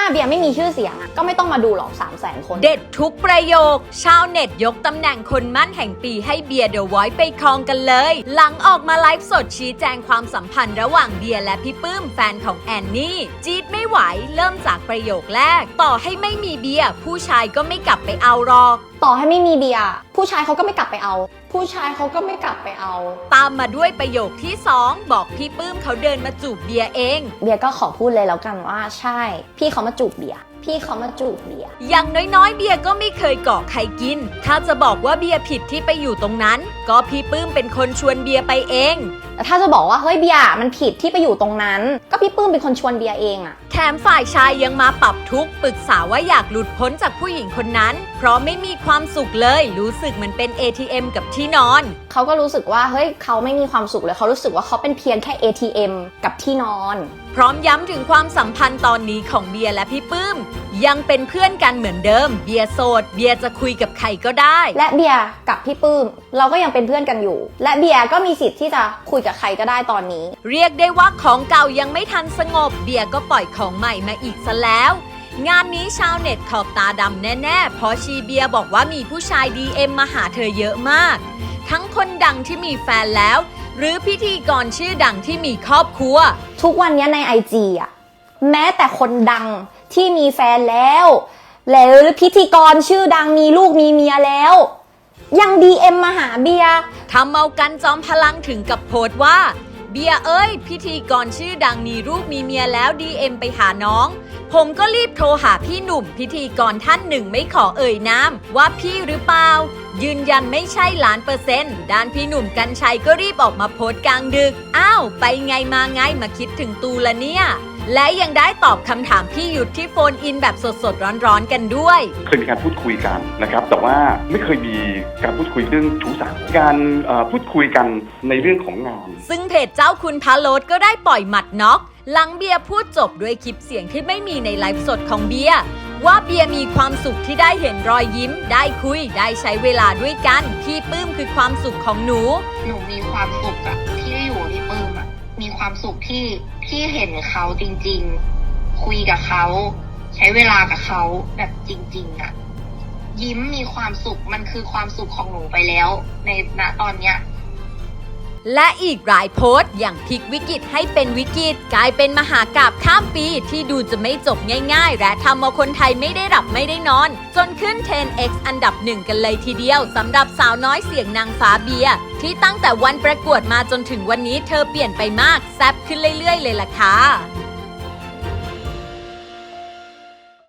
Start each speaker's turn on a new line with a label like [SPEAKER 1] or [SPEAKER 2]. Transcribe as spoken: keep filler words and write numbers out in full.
[SPEAKER 1] เบียร์ไม่มีชื่อเสียงอ่ะก็ไม่ต้องมาดูหรอกสามแสนคน
[SPEAKER 2] เด็ดทุกประโยคชาวเน็ตยกตำแหน่งคนมั่นแห่งปีให้เบียร์เดอะวอยซ์ไปครองกันเลยหลังออกมาไลฟ์สดชี้แจงความสัมพันธ์ระหว่างเบียร์และพี่ปื้มแฟนของแอนนี่จี๊ดไม่ไหวเริ่มจากประโยคแรกต่อให้ไม่มีเบียร์ผู้ชายก็ไม่กลับไปเอาหรอก
[SPEAKER 1] ต่อให้ไม่มีเบียร์ผู้ชายเขาก็ไม่กลับไปเอาผู้ชายเขาก็ไม่กลับไปเอา
[SPEAKER 2] ตามมาด้วยประโยคที่สองบอกพี่ปื้มเขาเดินมาจูบเบียร์เอง
[SPEAKER 1] เบียร์ก็ขอพูดเลยแล้วกันว่าใช่พี่เขามาจูบเบียร์พี่เขามาจูบเบียร์
[SPEAKER 2] อย่างน้อยๆเบียร์ก็ไม่เคยเกาะใครกินถ้าจะบอกว่าเบียร์ผิดที่ไปอยู่ตรงนั้นก็พี่ปื้มเป็นคนชวนเบียร์ไปเอง
[SPEAKER 1] แต่ถ้าจะบอกว่าเฮ้ยเบียร์มันผิดที่ไปอยู่ตรงนั้นก็พี่ปื้มเป็นคนชวนเบียร์เองอะ
[SPEAKER 2] แถมฝ่ายชายยังมาปรับทุกข์ปรึกษาว่าอยากหลุดพ้นจากผู้หญิงคนนั้นเพราะไม่มีความสุขเลยรู้สึกเหมือนเป็น เอ ที เอ็ม กับที่นอน
[SPEAKER 1] เขาก็รู้สึกว่าเฮ้ยเขาไม่มีความสุขเลยเขารู้สึกว่าเขาเป็นเพียงแค่ เอ ที เอ็ม กับที่นอน
[SPEAKER 2] พร้อมย้ำถึงความสัมพันธ์ตอนนี้ของเบียร์และพี่ปื้มยังเป็นเพื่อนกันเหมือนเดิมเบียร์โสดเบียร์จะคุยกับใครก็ได้
[SPEAKER 1] และเบียร์กับพี่ปื้มเราก็ยังเป็นเพื่อนกันอยู่และเบียร์ก็มีสิทธิ์ที่จะคุยกับใครก็ได้ตอนนี้
[SPEAKER 2] เรียกได้ว่าของเก่ายังไม่ทันสงบเบียร์ก็ปล่อยของใหม่มาอีกซะแล้วงานนี้ชาวเน็ตขอบตาดำแน่ๆเพราะชีเบียร์บอกว่ามีผู้ชาย ดี เอ็ม มาหาเธอเยอะมากทั้งคนดังที่มีแฟนแล้วหรือพิธีกรชื่อดังที่มีครอบครัว
[SPEAKER 1] ทุกวันนี้ใน ไอ จี อ่ะแม้แต่คนดังที่มีแฟนแล้วแล้วพิธีกรชื่อดังมีลูกมีเมียแล้วยัง ดี เอ็ม มาหาเบียร์
[SPEAKER 2] ทำเอากันจอมพลังถึงกับโพสต์ว่าเบียร์เอ้ยพิธีกรชื่อดังมีลูกมีเมียแล้ว ดี เอ็ม ไปหาน้องผมก็รีบโทรหาพี่หนุ่มพิธีกรท่านหนึ่งไม่ขอเอ่ยนามว่าพี่หรือเปล่ายืนยันไม่ใช่ล้านเปอร์เซ็นต์ด้านพี่หนุ่มกรรชัยก็รีบออกมาโพสต์กลางดึกอ้าวไปไงมาไงมาคิดถึงตูละเนี่ยและยังได้ตอบคำถามพี่ยุทธที่โฟนอินแบบสดๆร้อนๆกันด้วย
[SPEAKER 3] เคยมีการพูดคุยกันนะครับแต่ว่าไม่เคยมีการพูดคุยเรื่องชู้สาวการพูดคุยกันในเรื่องของงาน
[SPEAKER 2] ซึ่งเพจเจ้าคุณพาโลดก็ได้ปล่อยหมัดน็อกหลังเบียร์พูดจบด้วยคลิปเสียงที่ไม่มีในไลฟ์สดของเบียร์ว่าเบียร์มีความสุขที่ได้เห็นรอยยิ้มได้คุยได้ใช้เวลาด้วยกันพี่ปื้มคือความสุขของหนู
[SPEAKER 4] หนูมีความสุขอะที่ได้อยู่ที่ปื้มอะมีความสุขที่ที่เห็นเขาจริงๆคุยกับเขาใช้เวลากับเขาแบบจริงๆอะยิ้มมีความสุขมันคือความสุขของหนูไปแล้วในณตอนเนี้ย
[SPEAKER 2] และอีกหลายโพสต์อย่างพลิกวิกฤตให้เป็นวิกฤตกลายเป็นมหากาพย์ข้ามปีที่ดูจะไม่จบง่ายๆและทำเอาคนไทยไม่ได้หลับไม่ได้นอนจนขึ้น เทน เอ็กซ์ อันดับหนึ่งกันเลยทีเดียวสำหรับสาวน้อยเสียงนางฟ้าเบียร์ที่ตั้งแต่วันประกวดมาจนถึงวันนี้เธอเปลี่ยนไปมากแซ่บขึ้นเรื่อยๆเลยล่ะค่ะ